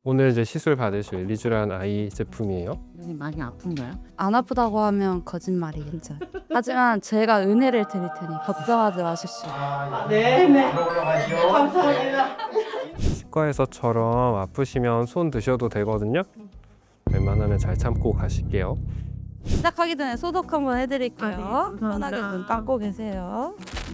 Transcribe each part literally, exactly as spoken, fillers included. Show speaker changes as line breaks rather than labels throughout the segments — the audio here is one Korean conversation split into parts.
오늘 이제 시술 받으실 리쥬란 아이 제품이에요.
눈이 많이 아픈가요?
안 아프다고 하면 거짓말이겠죠. 하지만 제가 은혜를 드릴 테니 걱정하지 마십시오.
네네. 감사합니다.
치과에서처럼 아프시면 손 드셔도 되거든요. 웬만하면 잘 참고 가실게요.
시작하기 전에 소독 한번 해드릴게요.
아, 네, 감사합니다.
편하게 눈 감고 계세요.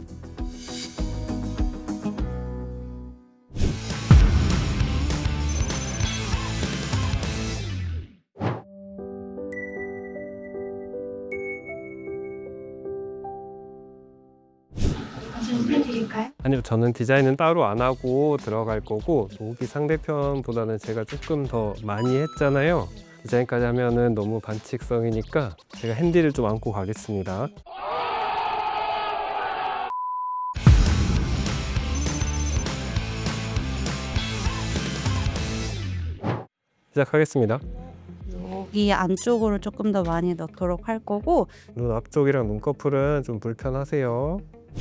해드릴까요?
아니요, 저는 디자인은 따로 안 하고 들어갈 거고, 여기 상대편보다는 제가 조금 더 많이 했잖아요. 디자인까지 하면은 너무 반칙성이니까 제가 핸디를 좀 안고 가겠습니다. 시작하겠습니다.
여기 안쪽으로 조금 더 많이 넣도록 할 거고,
눈 앞쪽이랑 눈꺼풀은 좀 불편하세요.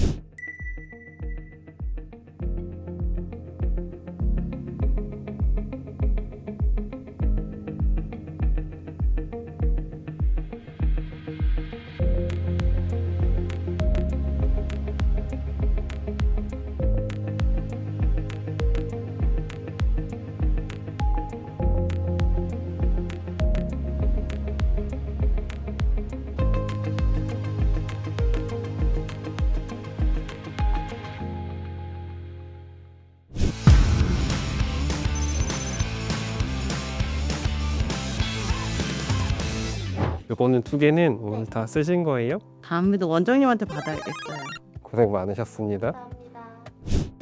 요거는 두 개는 오늘 다 쓰신 거예요?
다음에도 원장님한테 받아야겠어요.
고생 많으셨습니다.
감사합니다.